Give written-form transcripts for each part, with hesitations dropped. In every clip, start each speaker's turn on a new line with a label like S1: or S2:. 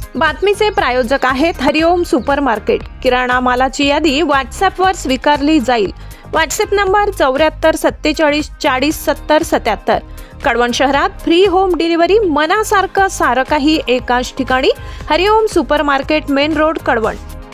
S1: बातमीचे प्रायोजक आहेत हरिओम super market. किराणा मालाची यादी व्हॉट्सॲपवर स्वीकारली जाईल। WhatsApp number 7447407077। कळवण शहरात फ्री होम डिलिव्हरी, मनासारखं सारं काही एकाच ठिकाणी। Hariom super market, main road, Kalwan.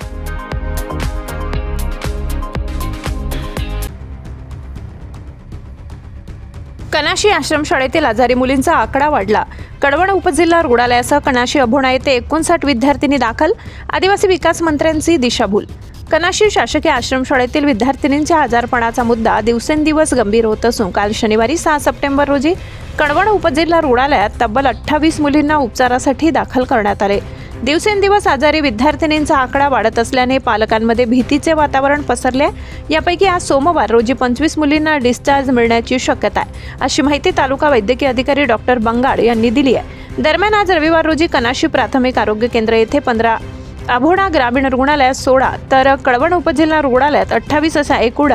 S1: Kanashi आश्रमशाळेतील आजारी मुलींचा आकडा वाढला। कळवण उपजिल्हा रुग्णालयासह कनाशी अभोणा येथे 59 विद्यार्थिनी दाखल। आदिवासी विकास मंत्र्यांची दिशाभूल। कनाशी शासकीय आश्रमशाळेतील विद्यार्थिनींच्या आजारपणाचा मुद्दा दिवसेंदिवस गंभीर होत असून काल शनिवारी 6 सप्टेंबर रोजी कळवण उपजिल्हा रुग्णालयात तब्बल 28 मुलींना उपचारासाठी दाखल करण्यात आले। दिवसेंदिवस आजारी विद्यार्थिनींचा आकडा वाढत असल्याने पालकांमध्ये भीतीचे वातावरण पसरले। यापैकी आज सोमवार रोजी 25 मुलींना डिस्चार्ज मिळण्याची शक्यता आहे, अशी माहिती तालुका वैद्यकीय अधिकारी डॉक्टर बंगाड यांनी दिली आहे। दरम्यान आज रविवार रोजी कनाशी प्राथमिक आरोग्य केंद्र येथे 15, अभोणा ग्रामीण रुग्णालयात 16 तर कळवण उपजिल्हा रुग्णालयात 28 अशा एकूण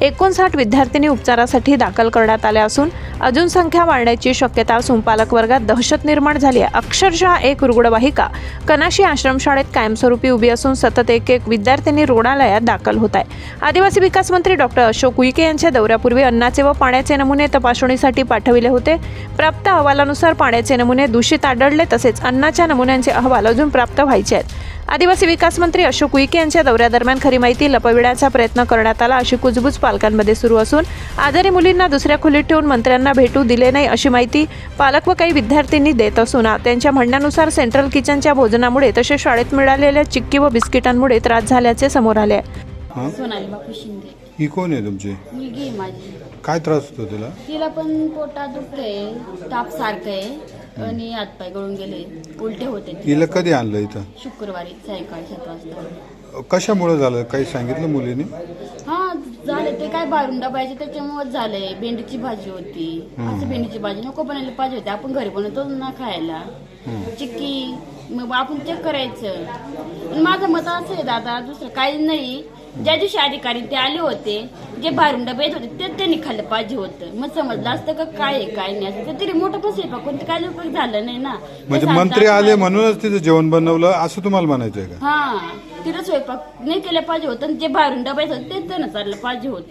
S1: 59 विद्यार्थिनी उपचारासाठी दाखल करण्यात आल्या असून अजून संख्या वाढण्याची शक्यता असून पालक वर्गात दहशत निर्माण झाली आहे। अक्षरशः एक रुग्णवाहिका कनाशी आश्रमशाळेत कायमस्वरूपी उभी असून सतत एक विद्यार्थिनी रुग्णालयात दाखल होत आहे। आदिवासी विकास मंत्री डॉक्टर अशोक उईके यांच्या दौऱ्यापूर्वी अन्नाचे व पाण्याचे नमुने तपासणीसाठी पाठविले होते। प्राप्त अहवालानुसार पाण्याचे नमुने दूषित आढळले, तसेच अन्नाच्या नमुन्यांचे अहवाल अजून प्राप्त व्हायचे आहेत। आदिवासी विकास मंत्री अशोक उईके यांच्या दौऱ्यादरम्यान खरी माहिती लपविण्याचा प्रयत्न करण्यात आला, अशी कुजबूज पालकांमध्ये सुरू असून आजारी मुलींना दुसऱ्या खोलीत ठेवून मंत्र्यांना भेटू दिले नाही, अशी माहिती पालक व काही विद्यार्थ्यांनी देत असून त्यांच्या म्हणण्यानुसार सेंट्रल किचनच्या भोजनामुळे तसेच शाळेत मिळालेल्या चिक्की व बिस्किटांमुळे त्रास झाल्याचे समोर आले।
S2: सोनाली बापू शिंदे
S3: ही कोण आहे तुमची
S2: मुलगी आहे माझी।
S3: काय त्रास होतो तिला?
S2: तिला पण पोटात दुखतंय, ताप सारखं आहे आणि हातपाय गळून गेले, उलटे होते।
S3: हिला कधी आणलं इथं?
S2: शुक्रवारी सायंकाळी 7 वाजता।
S3: कशामुळे झालं काही सांगितलं मुलीने?
S2: हा झाले ते काय बाहेरून डबायचे त्याच्यामुळे झालंय। भेंडीची भाजी होती, असं भेंडीची भाजी नको बनायला पाहिजे होती, आपण घरी बनवतो ना खायला। चिक्की मग आपण चेक करायचं। माझं मत असं आहे दादा, दुसरं काही नाही। ज्या दिवशी अधिकारी ते आले होते, जे बाहेरून डबे येत होते ते त्यांनी खाल्लं पाहिजे होतं, मग समजलं असतं का काय आहे काय नाही असं। तरी मोठं पण स्वयंपाक कोणतं काय उपयोग झालं नाही ना।
S3: म्हणजे मंत्री आले म्हणूनच तिथं जेवण बनवलं असं तुम्हाला म्हणायचंय का?
S2: हा, तिथं स्वयंपाक नाही केलं पाहिजे होतं, जे बाहेरून डबे येत होते ते त्यांना चाललं पाहिजे होतं।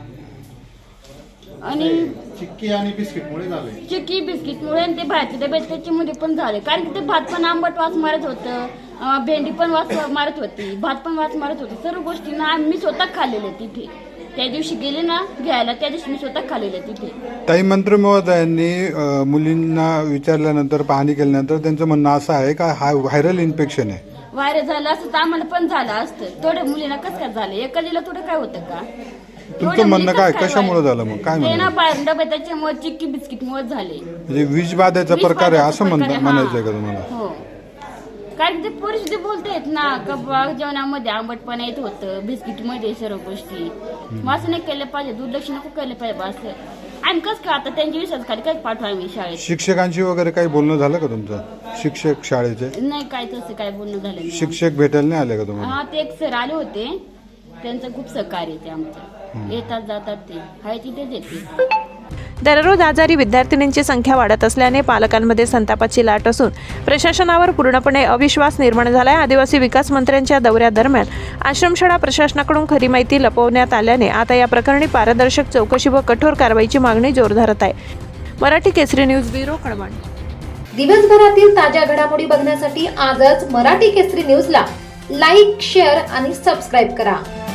S2: आणि
S4: चिक्की आणि बिस्किटमुळे झाले।
S2: चिक्की बिस्किटमुळे आणि ते बाहेरचे डबे त्याच्यामध्ये पण झाले, कारण की ते भात पण आंबट वास मारत होतं, भेंडी पण वास मारत होती, भात पण वास मारत होती। सर्व गोष्टी ना मी स्वतः खाल्लेल्या तिथे। त्या दिवशी गेले ना घ्यायला, त्या दिवशी मी स्वतः खाल्लेल्या तिथे।
S3: ताई, मंत्री महोदयांनी मुलींना विचारल्यानंतर, पाहणी केल्यानंतर त्यांचं म्हणणं असं आहे का हा व्हायरल इन्फेक्शन आहे।
S2: व्हायरल झालं असतं तर आम्हाला पण झालं असतं। थोड्या मुलींना कसं काय झालं, एखादीला थोडं काय होतं का?
S3: तुमचं म्हणणं काय, कशामुळे झालं मग काय
S2: ते ना
S3: म्हणणं?
S2: बाहेरून डबे त्याच्यामुळे चिक्की बिस्किटमुळे झाले।
S3: म्हणजे विष बाधेचा प्रकार आहे असं म्हणायचंय का तुम्हाला?
S2: हो, कारण ते पोरी बोलतायत ना का जेवणामध्ये आंबटपणा येत होतं, बिस्किटमध्ये सर्व गोष्टी। मग असं नाही केलं पाहिजे, दुर्लक्ष नको केलं पाहिजे असं। आणि कसं का आता त्यांच्या विश्वासाखाली काय पाठवा मी शाळेत?
S3: शिक्षकांशी वगैरे काही बोलणं झालं का तुमचं? शिक्षक शाळेचे
S2: नाही, काय तसं काय बोलणं झालं नाही।
S3: शिक्षक भेटायला नाही आले का तुम्हाला?
S2: हा, ते एक सर आले होते, त्यांचं खूप सहकार्य ते आमचं, येतात जातात ते, हाय तिथेच येते।
S1: दररोज आजारी विद्यार्थिनींची संख्या वाढत असल्याने पालकांमध्ये संतापाची लाट असून प्रशासनावर पूर्णपणे अविश्वास निर्माण झाला आहे। आदिवासी विकास मंत्र्यांच्या दौऱ्यादरम्यान आश्रमशाळा प्रशासनाकडून खरी माहिती लपवण्यात आल्याने आता या प्रकरणी पारदर्शक चौकशी व कठोर कारवाईची मागणी जोर धरत आहे। Marathi Kesari news bureau, Kalwan.
S5: दिवसभरातील ताज्या घडामोडी बघण्यासाठी आजच मराठी केसरी न्यूजला लाईक, शेअर आणि सबस्क्राईब करा।